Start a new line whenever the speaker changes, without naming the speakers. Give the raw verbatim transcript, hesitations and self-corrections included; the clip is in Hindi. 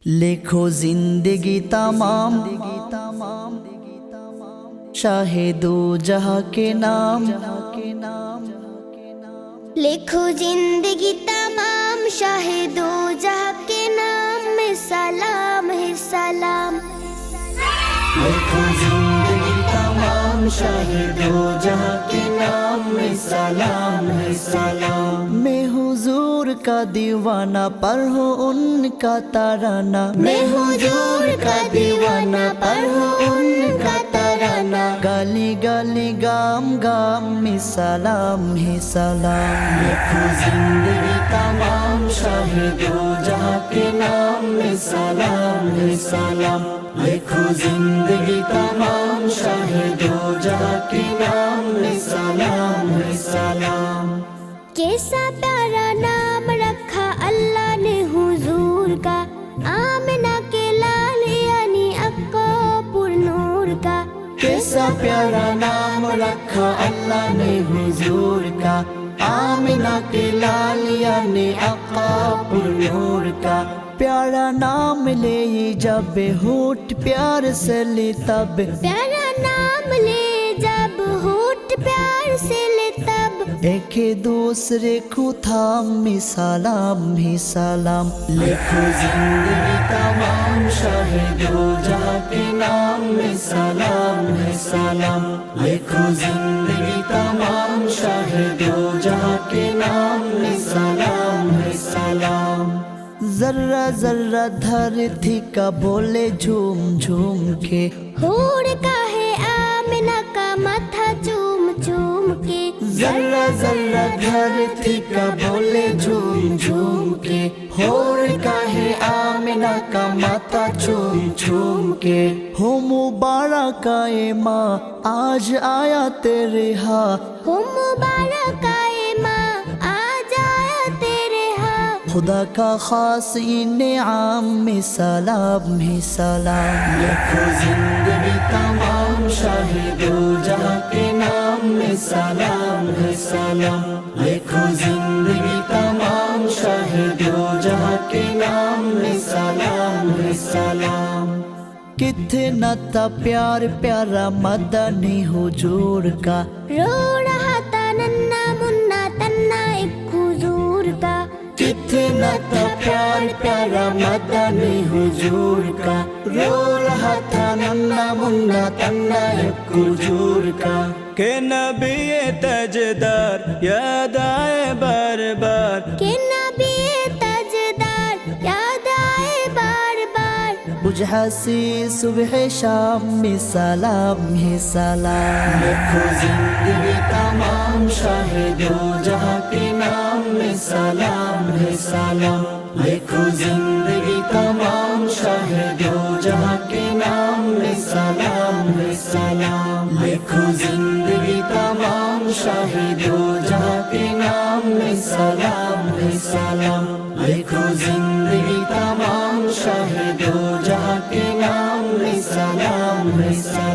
लिखो जिंदगी तमाम शाहे दो जहां के नाम।
लिखो जिंदगी तमाम शाहे दो जहां के नाम में सलाम है सलाम।
लिखो जिंदगी तमाम शाहे दो जहां के नाम में सलाम है सलाम। मैं हुजूर का दीवाना पढ़ो उनका तराना। मैं हुजूर का दीवाना पढ़ो उनका तराना। गली गली गाम गाम में सलाम है सलाम। लिखो जिंदगी तमाम शाहे दो जहां के नाम में सलाम है सलाम। लिखो जिंदगी तमाम शाहे दो जहां के नाम में सलाम है सलाम।
कैसा प्यारा नाम रखा अल्लाह ने हुजूर का, आमिना के लाल यानी अक्का पुरनूर का।
कैसा प्यारा नाम रखा अल्लाह ने हुजूर का, आमिना के लाल यानी अक्का पुरनूर का। प्यारा नाम ले जब होठ प्यार से ले तब।
प्यारा नाम ले जब होठ प्यार से ले तब।
एक दूसरे को थाम में सलाम ही सलाम। लिखो जिंदगी तमाम शाहे दो जहां के नाम में सलाम है सलाम। लिखो जिंदगी तमाम शाहे दो जहां के नाम में सलाम है सलाम। जर्रा जर्रा धरती का बोले झूम झूम के।
हूर का है आमिना का माथा चूम चूम के।
जर्रा जर्रा धरती का बोले झूम झूम के। होर का है आमिना का माथा चूम चूम के। हो मुबारक आए माँ आज आया तेरे हा।
हो मुबारक आए माँ आज आया तेरे हाँ।
खुदा का खास इनाम में सलाम है सलाम। लिखो जिंदगी तमाम शाहे दो जहां के नाम में सलाम है सलाम। लिखो जिंदगी तमाम शाहे दो जहां के नाम में सलाम है सलाम। कितना था प्यार प्यारा मदनी हुजूर का।
रो रहा था नन्ना मुन्ना तन्ना एक हुजूर का।
कितना था प्यार प्यारा मदनी हुजूर का। रो रहा था नन्ना मुन्ना तन्ना एक हुजूर का।
के नबी तजदार याद आए बार बार।
के नबी तजदार याद आए बार बार।
बुझासी सुबह शाम में सलाम है सलाम। लिखो जिंदगी तमाम शाहे दो जहां के नाम में सलाम है सलाम। लिखो जिंदगी तमाम शाहे दो जहां के नाम में सलाम है सलाम। लिखो जिंदगी तमाम शाहे दो जहां के नाम में सलाम है सलाम। लिखो जिंदगी तमाम शाहे दो जहां के नाम में सलाम है सलाम।